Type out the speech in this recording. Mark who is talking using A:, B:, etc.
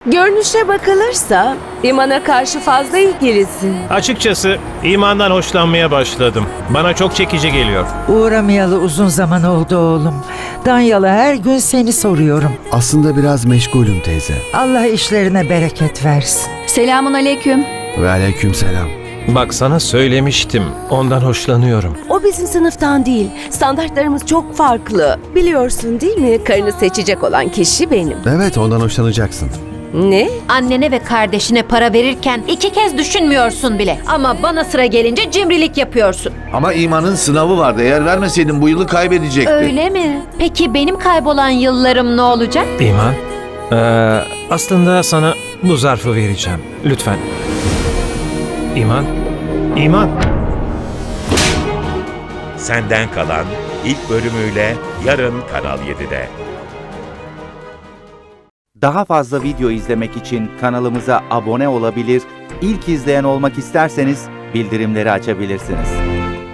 A: Görünüşe bakılırsa İman'a karşı fazla ilgilisin.
B: Açıkçası imandan hoşlanmaya başladım. Bana çok çekici geliyor.
C: Uğramayalı uzun zaman oldu oğlum. Danyalı her gün seni soruyorum.
D: Aslında biraz meşgulüm teyze.
C: Allah işlerine bereket versin.
E: Selamun aleyküm.
D: Ve aleykümselam.
B: Bak sana söylemiştim. Ondan hoşlanıyorum.
A: O bizim sınıftan değil. Standartlarımız çok farklı. Biliyorsun değil mi? Karını seçecek olan kişi benim.
D: Evet, ondan hoşlanacaksın.
A: Ne?
F: Annene ve kardeşine para verirken 2 kez düşünmüyorsun bile. Ama bana sıra gelince cimrilik yapıyorsun.
G: Ama imanın sınavı vardı. Eğer vermeseydin bu yılı kaybedecekti.
F: Öyle mi? Peki benim kaybolan yıllarım ne olacak?
B: İman, aslında sana bu zarfı vereceğim. Lütfen. İman, İman.
H: Senden Kalan ilk bölümüyle yarın Kanal 7'de.
I: Daha fazla video izlemek için kanalımıza abone olabilir, ilk izleyen olmak isterseniz bildirimleri açabilirsiniz.